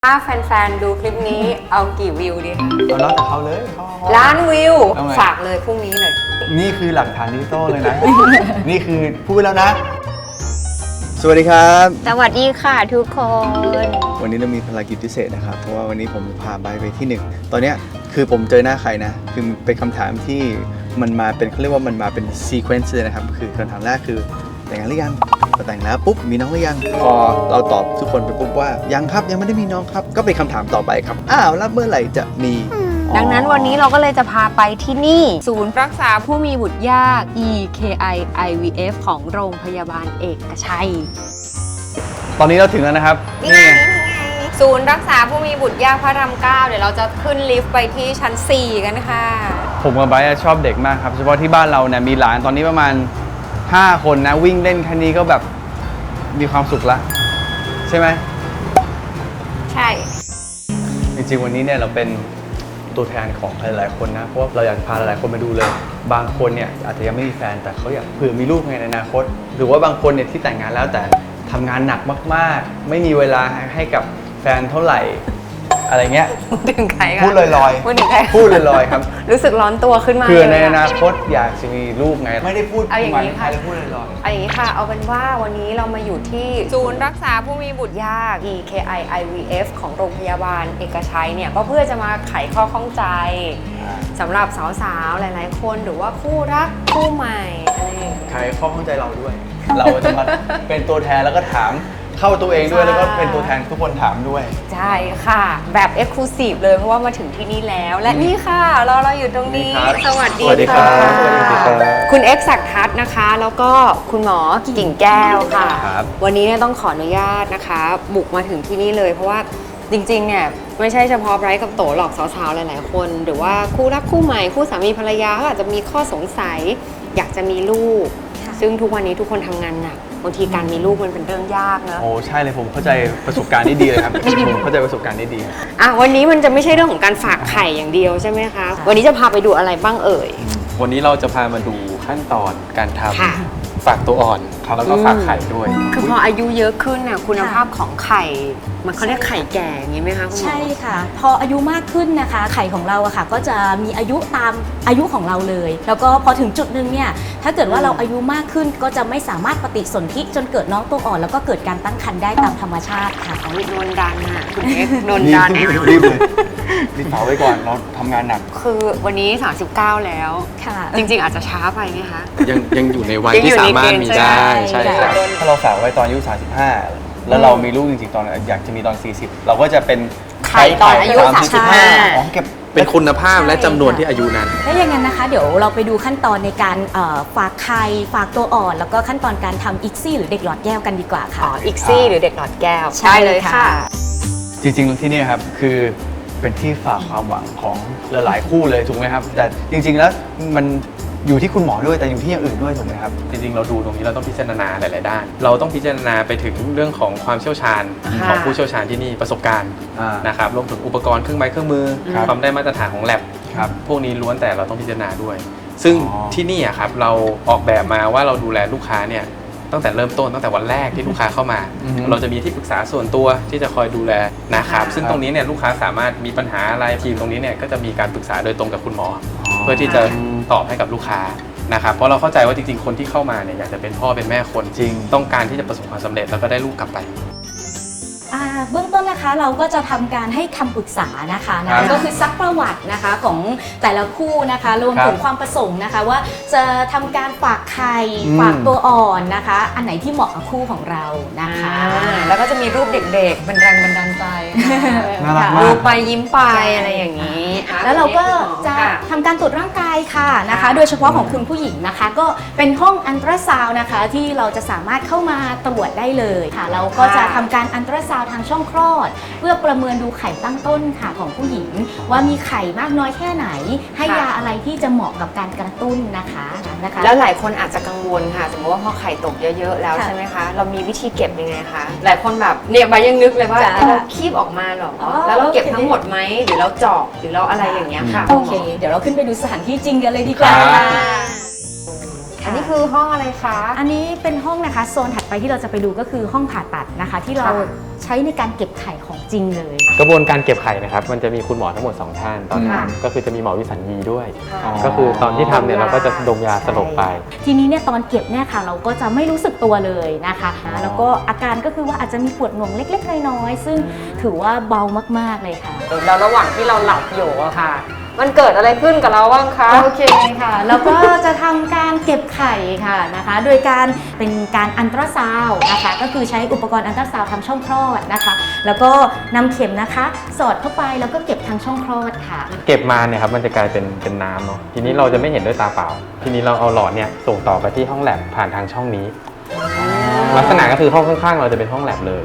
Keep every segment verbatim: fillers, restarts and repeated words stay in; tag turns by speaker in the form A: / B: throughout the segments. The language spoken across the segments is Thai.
A: ถ้าแฟนๆดูคลิปนี้เอากี่วิวดีคะ
B: เอาแล้วแต่เขาเลย
A: ล้านวิว
B: เอาไง
A: ฝากเลยพรุ่งนี้เลย
B: นี่คือหลักฐานดิจิตอลเลยนะ นี่คือพูดแล้วนะ สวัสดีครับ
A: สวัสดีค่ะทุกคน
B: วันนี้เรามีภารกิจพิเศษนะครับ เพราะว่าวันนี้ผมพาไบร์ทไปที่หนึ่ง ตอนเนี้ยคือผมเจอหน้าใครนะ คือเป็นคำถามที่มันมาเป็นเขาเรียกว่ามันมาเป็นซีเควนซ์เลยนะครับ คือคำถามแรกคือแต่งงานหรือยังพอแต่งแล้วปุ๊บมีน้องหรือยัง พอเราตอบทุกคนไปปุ๊บว่ายังครับยังไม่ได้มีน้องครับ ก็เป็นคำถามต่อไปครับ อ้าวแล้วเมื่อไหร่จะมี
A: ดังนั้นวันนี้เราก็เลยจะพาไปที่นี่ ศูนย์รักษาผู้มีบุตรยาก อี เค ไอ ไอ วี เอฟ ของโรงพยาบาลเอกชัย
B: ตอนนี้เราถึงแล้วนะครับ
A: นี่ไงศูนย์รักษาผู้มีบุตรยากพระรามเก้าเดี๋ยวเราจะขึ้นลิฟต์ไปที่ชั้นสี่กันค่ะ
B: ผมกับไบร์ทชอบเด็กมากครับเฉพาะที่บ้านเราเนี่ยมีหลานตอนนี้ประมาณห้าคนนะวิ่งเล่นแค่นี้ก็แบบมีความสุขละใช่ไหม
A: ใช่
B: จริงๆวันนี้เนี่ยเราเป็นตัวแทนของหลายๆคนนะเพราะว่าเราอยากพาหลายๆคนมาดูเลย บางคนเนี่ยอาจจะยังไม่มีแฟนแต่เขาอยากเผื่อมีลูกในอนาคต หรือว่าบางคนเนี่ยที่แต่งงานแล้วแต่ทำงานหนักมากๆไม่มีเวลาให้กับแฟนเท่าไหร่อะไรเงี้ย
A: ถึงใครคะ
B: พูดลอยๆ
A: พูดถึงใคร
B: พูดลอยๆครับ
A: รู้สึกร้อนตัวขึ้นมา
B: เผื่อใน
A: เลย
B: อนาคตอยากจะมีลูกไงไม่ได้พูด
A: เอาอย่างนี้ค่ะ
B: ไม่ได้พูดลอยๆ
A: เอาอย่างนี้ค่ะ เอาเป็นว่าวันนี้เรามาอยู่ที่ศูนย์รักษาผู้มีบุตรยาก อี เค ไอ ไอ วี เอฟ ของโรงพยาบาลเอกชัยเนี่ยก็เพื่อจะมาไขข้อข้องใจสำหรับสาวๆ หลายๆ คนหรือว่าคู่รักคู่ใหม่อะไรอย่างเงี้ย
B: ใครข้อข้องใจเราด้วย เราจะมาเป็นตัวแทนแล้วก็ถามเข้าตัวเองด้วยแล้วก็เป็นตัวแทนทุกคนถามด้วย
A: ใช่ค่ะ แบบ Exclusive เลยเพราะว่ามาถึงที่นี่แล้ว และนี่ค่ะเราเราอยู่ตรงนี้
B: นี่ครับ
A: สวัสดี
B: สวัสดีครั
A: ค่ะ
B: บสวัสดีครับ
A: คุณเอ็กซ์ศักดิ์ทัศน์นะคะ แล้วก็คุณหมอกิ่งแก้วค่ะ
B: ครับ
A: วันนี้เนี่ยต้องขออนุญาตนะคะ บุกมาถึงที่นี่เลย เพราะว่าจริงๆเนี่ยไม่ใช่เฉพาะไบรท์กับโตหรอกสาวๆหลายๆคน หรือว่าคู่รักคู่ใหม่คู่สามีภรรยาเขาอาจจะมีข้อสงสัย อยากจะมีลูก ซึ่งทุกวันนี้ทุกคนทำงานหนักบางทีการมีลูกมันเป็นเรื่องยากนะ
B: โอ้ใช่เลยผมเข้าใจประสบการณ์นี้ดีเลยครับ ผมเข้าใจประสบการณ์นี้ดีครับ
A: อ่ะวันนี้มันจะไม่ใช่เรื่องของการฝากไข่อย่างเดียวใช่ไหมคะ วันนี้จะพาไปดูอะไรบ้างเอ่ย
C: วันนี้เราจะพามาดูขั้นตอนการท
A: ค่ะ
C: ำฝากตัวอ่อนแล้วก็ฝากไข่ด้วย
A: คือพออายุเยอะขึ้นน่ะคุณภาพของไข่ มันเขาเรียกไข่แก่อย่างนี้ไหมคะคุณหมอ
D: ใช่ค่ะ พออายุมากขึ้นนะคะ ไข่ของเราอะค่ะก็จะมีอายุตามอายุของเราเลย แล้วก็พอถึงจุดหนึ่งเนี่ยถ้าเกิดว่าเราอายุมากขึ้นก็จะไม่สามารถปฏิสนธิจนเกิดน้องตัวอ่อน แล้วก็เกิดการตั้งครรภ์ได้ตามธรรมชาติค่ะ
A: ของนนดันน่ะคุณเอ็กซ์นนดัน
B: รีบรีบเลยรีบเผาไว้ก่อนเราทำงานหนัก
A: คือวันนี้สามสิบเก้าแล้ว
D: ค่ะ
A: จริงๆอาจจะช้าไปไหมคะ
C: ยังยังอยู่ในวัย
A: ยังอยู่
C: ที่สามารถ
A: ในเกณฑ์
C: มี
A: ใช่
C: ได้
A: ไหม
C: ใช่
D: ใช่
C: ครับ
B: ถ้าเราฝากไว้ตอนอายุสามสิบห้าแล้วเรามีลูกจริงๆตอนอยากจะมีตอนสี่สิบเราก็จะเป็น
A: ไข่ตอนอายุ
B: สามสิบห้า
D: สามสิบห้า
B: อ๋อเก็บ
C: เป็นคุณภาพและจำนวนที่อายุนั้น
D: ถ้าอย่างนั้นนะคะเดี๋ยวเราไปดูขั้นตอนในการเอ่อฝากไข่ฝากตัวอ่อน แล้วก็ขั้นตอนการทำอิกซี่หรือเด็กหลอดแก้วกันดีกว่า
A: อ๋
D: ค่ะ
A: ออีกซี่หรือเด็กหลอดแก้ว
D: ใช่
A: ได้เลย
D: ค่ะ
A: ค่ะ
B: จริงๆที่นี่ครับคือเป็นที่ฝากความหวังของหลายๆคู่เลยถูกไหมครับ แต่จริงๆแล้วมันอยู่ที่คุณหมอด้วยแต่อยู่ที่อย่างอื่นด้วยถูกไหมครับ
C: จริงๆ เราดูตรงนี้เราต้องพิจารณาหลาย ๆ ด้าน เราต้องพิจารณาไปถึงเรื่องของความเชี่ยวชาญ
A: ค่ะ
C: ของผู้เชี่ยวชาญที่นี่ประสบการณ์
B: อ่าน
C: นะครับรวมถึงอุปกรณ์เครื่องไม้เครื่องมือ
B: ครับ
C: ความได้มาตรฐานของ lab
B: ครับ
C: พวกนี้ล้วนแต่เราต้องพิจารณาด้วย ซึ่ง
B: อ๋อ
C: ที่นี่อะครับเราออกแบบมาว่าเราดูแลลูกค้าเนี่ยตั้งแต่เริ่มต้นตั้งแต่วันแรกที่ลูกค้าเข้ามา เราจะมีที่ปรึกษาส่วนตัวที่จะคอยดูแลนะครับซึ่งตรงนี้เนี่ยลูกค้าสามารถมีปัญหาอะไรทีมตรงนี้เนี่ยก็จะมีการปรึกษาโดยตรงกับคุณหมอ เพื่อที่จะตอบให้กับลูกค้านะครับเพราะเราเข้าใจว่าจริงๆคนที่เข้ามาเนี่ยอยากจะเป็นพ่อเป็นแม่คน
B: จริง
C: ต้องการที่จะประสบความสำเร็จแล้วก็ได้ลูกกลับไป
D: อ่าเบื้องต้นนะคะเราก็จะทำการให้คำปรึกษานะคะ
B: ครั
D: นะ
B: บ
D: ก็คือซักประวัตินะคะของแต่ละคู่นะคะรวม
B: ครับ
D: ถึงความประสงค์นะคะ ว่าจะทำการฝากไข่
B: อืม
D: ฝากตัวอ่อนนะคะ อันไหนที่เหมาะกับคู่ของเรานะคะ
A: อ่าแล้วก็จะมีรูปเด็กๆ เป็นแรงบันดาลใจ
B: น่ารักมา
A: ดู
B: ก
A: ไปยิ้มไปอะไรอย่างนี้อ่ะ
D: แล้วเราก็จะ
A: ค่
D: ทำการตรวจร่างกายค่ะนะคะ
A: ค่ะ
D: โดยเฉพาะของคุณผู้หญิงนะคะ ก็เป็นห้องอันตราซาวน์นะคะ ที่เราจะสามารถเข้ามาตรวจได้เลยค่ะ เราก็จะทำการอันตราซาวน์ทางช่องคลอด เพื่อประเมินดูไข่ตั้งต้นค่ะของผู้หญิง ว่ามีไข่มากน้อยแค่ไหน ให้ยาอะไรที่จะเหมาะกับการกระตุ้นนะคะนะคะ
A: แล้วหลายคนอาจจะกังวลค่ะ สมมติว่าพอไข่ตกเยอะๆแล้ว
D: ค่ะ
A: ใช่ไหมคะ เรามีวิธีเก็บยังไงคะ หลายคนแบบเนี่ยใบยังนึกเลยว่า
D: จ้ะ
A: เราคีบออกมาเหรอ
D: อ๋อ
A: แล้วเราเก็บ
D: โอเค
A: ทั้งหมดไหมหรือเราเจาะหรือเราอะไรอย่างเงี้ยค่ะ
D: โอเค เดี๋ยวเราขึ้นไปดูสถานที่จริงกันเลยดีกว่า
B: ครับ
D: ค่ะ
A: อันนี้คือห้องอะไรคะ
D: อันนี้เป็นห้องนะคะโซนถัดไปที่เราจะไปดูก็คือห้องผ่าตัดนะคะ ที่เรา
A: ค่ะ
D: ใช้ในการเก็บไข่ของจริงเลย
C: กระบวนการเก็บไข่นะครับมันจะมีคุณหมอทั้งหมดสองท่านตอน
A: ค่ะ
C: ทำก็คือจะมีหมอวิสัญญีด้วย
B: อ๋อ
C: ก็คือตอนที่ทำเนี่ยเราก็จะดมยาสลบไป
D: ทีนี้เนี่ยตอนเก็บเนี่ยค่ะเราก็จะไม่รู้สึกตัวเลยนะคะ
B: อ๋อ
D: แล้วก็อาการก็คือว่าอาจจะมีปวดหน่วงเล็กๆน้อยๆซึ่งถือว่าเบามากๆเลยค่ะ
A: แล้วระหว่างที่เราหลับอยู่อะค่ะ มันเกิดอะไรขึ้นกับเราบ้างคะ
D: โอเคค่ะ แล้วก็จะทำการเก็บไข่ค่ะนะคะ โดยการเป็นการอันตราซาวด์นะคะ ก็คือใช้อุปกรณ์อันตราซาวด์ทำช่องคลอดนะคะ แล้วก็นำเข็มนะคะ สอดเข้าไปแล้วก็เก็บทางช่องคลอดค่ะ
C: เก็บมาเนี่ยครับมันจะกลายเป็นเป็นน้ำเนาะทีนี้เราจะไม่เห็นด้วยตาเปล่า ทีนี้เราเอาหลอดเนี่ยส่งต่อไปที่ห้องแลบผ่านทางช่องนี้ ลักษณะก็คือห้องข้างๆ เราจะเป็นห้องแลบเลย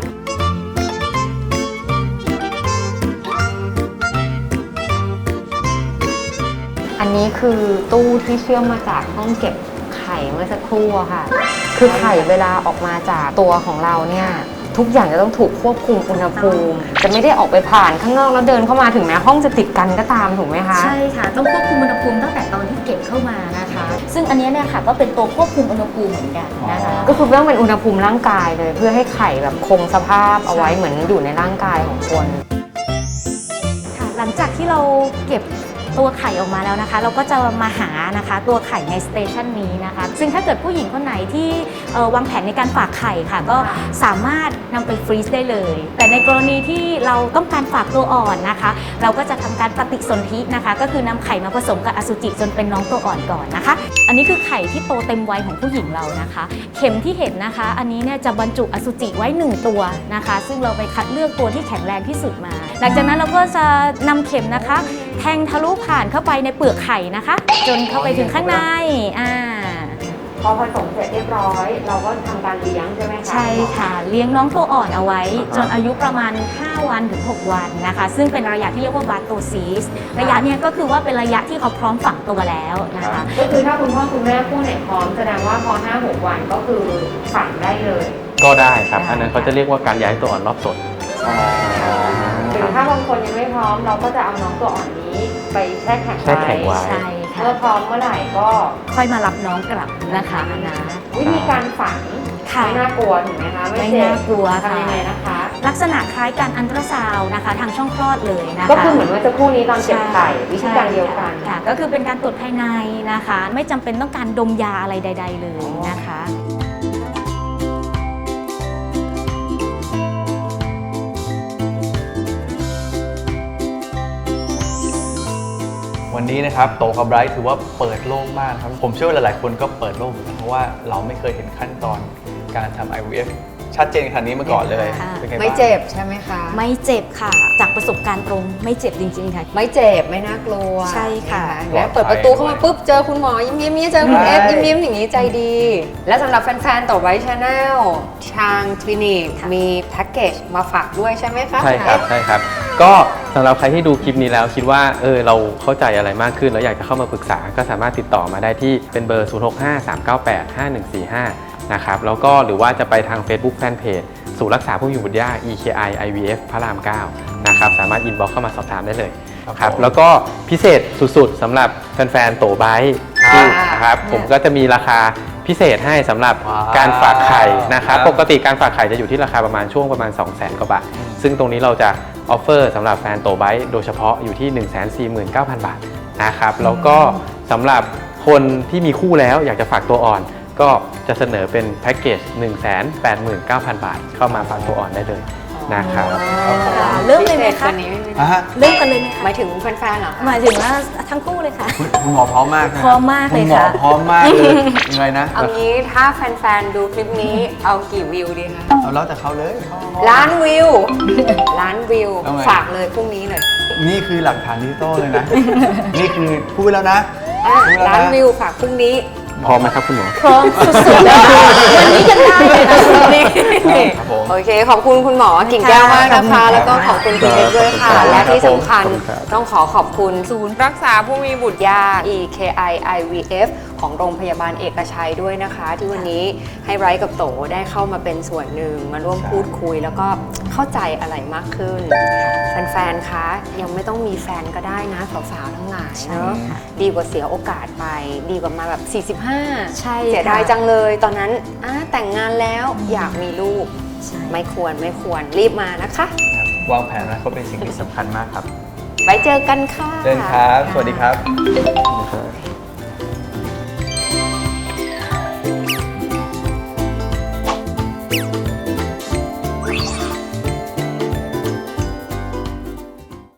A: อันนี้คือตู้ที่เชื่อมมาจากห้องเก็บไข่เมื่อสักครู่อะค่ะ คือไข่เวลาออกมาจากตัวของเราเนี่ยทุกอย่างจะต้องถูกควบคุมอุณหภูมิ จะไม่ได้ออกไปผ่านข้างนอกแล้วเดินเข้ามาถึงแม้ห้องจะติดกันก็ตามถูกไหมคะ
D: ใช่ค่ะ ต้องควบคุมอุณหภูมิตั้งแต่ตอนที่เก็บเข้ามานะคะ ซึ่งอันเนี้ยเนี่ยค่ะก็เป็นตัวควบคุมอุณหภูมิเหมือนกันนะคะ
A: ก็คือต้องเป็นอุณหภูมิร่างกายเลย เพื่อให้ไข่แบบคงสภาพเอาไว้เหมือนอยู่ในร่างกายของคน
D: ค่ะหลังจากที่เราเก็บตัวไข่ออกมาแล้วนะคะ เราก็จะมาหานะคะตัวไข่ในสเตชันนี้นะคะ ซึ่งถ้าเกิดผู้หญิงคนไหนที่เอ่อวางแผนในการฝากไข่ค่ะ ก็สามารถนำไปฟรีซได้เลย แต่ในกรณีที่เราต้องการฝากตัวอ่อนนะคะ เราก็จะทำการปฏิสนธินะคะ ก็คือนำไข่มาผสมกับอสุจิจนเป็นน้องตัวอ่อนก่อนนะคะ อันนี้คือไข่ที่โตเต็มวัยของผู้หญิงเรานะคะ เข็มที่เห็นนะคะ อันนี้เนี่ยจะบรรจุอสุจิไว้หนึ่งตัวนะคะ ซึ่งเราไปคัดเลือกตัวที่แข็งแรงที่สุดมา หลังจากนั้นเราก็จะนำเข็มนะคะ แทงทะลุผ่านเข้าไปในเปลือกไข่นะคะ จนเข้าไปถึงข้างในอ่า
A: พอผสมเสร็จเรียบร้อย เราก็ทำการเลี้ยงใช่ไหมคะ
D: ใช่ค่ะ เลี้ยงน้องตัวอ่อนเอาไว้ จนอายุประมาณ ห้า วันถึง หก วันนะคะ ซึ่งเป็นระยะที่เรียกว่าบาโตซิสระยะเนี้ยก็คือว่าเป็นระยะที่เขาพร้อมฝังตัวแล้วนะคะ
A: ก็คือถ้าคุณพ่อคุณแม่คู่ไหนพร้อมแสดงว่าพอ ห้าหก วันก็คือฝังได้เลย
C: ก็ได้ครับ อันนั้นเขาจะเรียกว่าการย้ายตัวอ่อนรอบสด
A: หรือถ้าบางคนยังไม่พร้อมเราก็จะเอาน้องตัวอ่อนนี้ไปแช่แข็ง
C: แช่แข็งไว้
D: ใช่ค่ะ
A: เมื่อพร้อมเมื่อไหร่ก็
D: ค่อยมารับน้องกลับนะคะนะ
A: วิธีการฝัง
D: ค่ะ
A: ไม่น่ากลัวถูกไหมคะ
D: ไม่
A: เจ็บ
D: น่ากลัวค่ะ
A: ทำยังไงนะคะ
D: ลักษณะคล้ายการอันตราซาวน์นะคะ ทางช่องคลอดเลยนะคะ
A: ก็คือเหมือนเมื่อสักครู่นี้ตอนเก็บไข่วิธีการเดียวกัน
D: ค่ะ ก็คือเป็นการตรวจภายในนะคะ ไม่จำเป็นต้องการดมยาอะไรใด ๆ เลยนะคะ
B: วันนี้นะครับโตกับไบรท์ถือว่าเปิดโลกมากครับผมเชื่อว่าหลายๆคนก็เปิดโลกเหมือนกันเพราะว่าเราไม่เคยเห็นขั้นตอนการทำ ไอ วี เอฟ ชัดเจนขนาดนี้มาก่อนเลย
D: ค่ะ
B: เป็นไงบ้าง
A: ไม่เจ็บใช่ไหมคะ
D: ไม่เจ็บค่ะ จากประสบการณ์ตรงไม่เจ็บจริง ๆ ค่ะ
A: ไม่เจ็บไม่น่ากลัว
D: ใช่ค่ะ
A: นแล้วเปิดประตูเข้ามาปุ๊บเจอคุณหมอยิ้มยิ้มๆเจอคุณเอฟยิ้มยิ้มๆอย่างนี้ใจดี และสำหรับแฟนๆต่อไว้ชาแนลทางคลินิกมีแพ็กเกจมาฝากด้วยใช่ไหมคะ
C: ใช่ครับใช่ครับ ก็สำหรับใครที่ดูคลิปนี้แล้วคิดว่าเออเราเข้าใจอะไรมากขึ้นแล้วอยากจะเข้ามาปรึกษาก็สามารถติดต่อมาได้ที่เป็นเบอร์ ศูนย์ หก ห้า สาม เก้า แปด ห้า หนึ่ง สี่ ห้า นะครับแล้วก็หรือว่าจะไปทาง Facebook Fanpage ศูนย์รักษาผู้มีบุตรยาก อี เค ไอ ไอ วี เอฟ พระราม เก้า นะครับสามารถอินบ็อกเข้ามาสอบถามได้เลยครับแล้วก็พิเศษสุดๆสำหรับแฟนๆโตไบท์ที่นะครับผมก็จะมีราคาพิเศษให้สำหรับการฝากไข่นะครับปกติการฝากไข่จะอยู่ที่ราคาประมาณช่วงประมาณ สองแสน กว่าบาทซึ่งตรงนี้เราจะออฟเฟอร์สำหรับแฟนโตไบท์โดยเฉพาะอยู่ที่ หนึ่งแสนสี่หมื่นเก้าพัน บาทนะครับแล้วก็สำหรับคนที่มีคู่แล้วอยากจะฝากตัวอ่อนก็จะเสนอเป็นแพ็กเกจ หนึ่งแสนแปดหมื่นเก้าพัน บาทเข้ามาฝากตัวอ่อนได้เลยนะครับ
D: ค่ะเริ่มเลยไหมคะ
A: พิศษกว่านี้ไม่มี
B: อ่ะฮะ
D: เริ่มกันเลยไหม
A: ห
D: คะ
A: มายถึงแฟนๆเหรอคะ
D: หมายถึงว่าทั้งคู่เลยค่ะ
B: คุณคุณหมอพร้อมมากนะ
D: พร้อมมากเลย
B: ณหมอ
D: ค่ะ
B: พร้อมมากเลยยังไงนะ
A: เอางี้ถ้าแฟนๆดูคลิปนี้เอากี่วิวดีคะ
B: เอาแล้วแต่เขาเลย
A: ล้านวิว ล้านวิว
B: เอาไง
A: ฝากเลยพรุ่งนี้เลย
B: นี่คือหลักฐานดิจิตอลเลยนะ นี่คือพูดไปแล้วนะ
A: อ่ะ
B: พูดไปแล้
A: ล้าน
B: นะ
A: วิวฝากพรุ่งนี้
C: พร้อมไหมครับคุณหมอ
D: พร้อมสุดๆเลยค่ะวันนี้ยังได้เลยนะคุณนี่
B: ครับผม
A: โอเค ขอบคุณคุณหมอกิ่งแก้วมากนะคะ แล้วก็ขอบคุณคุณเอฟด้วยค่ะ และที่สำคัญ
C: ขอบคุณครับ
A: ต้องขอขอบคุณศูนย์รักษาผู้มีบุตรยาก อี เค ไอ ไอ วี เอฟ ของโรงพยาบาลเอกชัยด้วยนะคะ ที่วันนี้ให้ไบรท์กับโตได้เข้ามาเป็นส่วนหนึ่งมาร่วมพูดคุย แล้วก็เข้าใจอะไรมากขึ้น แฟฟนๆ คะ ยังไม่ต้องมีแฟนก็ได้นะสาวๆ ทั้งหลาย
D: ใช่
A: เนาะ
D: ค่ะ
A: ดีกว่าเสียโอกาสไป ดีกว่ามาแบบ สี่สิบห้า
D: ใช่
A: เสียดาย
D: ค่ะ
A: จังเลย ตอนนั้นอ่ะแต่งงานแล้วอยากมีลูก
D: ใช่
A: ไม่ควรไม่ควรรีบมานะคะ
B: วางแผนนะเขาเป็นสิ่งที่สำคัญมากครับ
A: ไว้เจอกันค่ะ
B: เดินครับ สวัสดีครับ
D: ค่ะ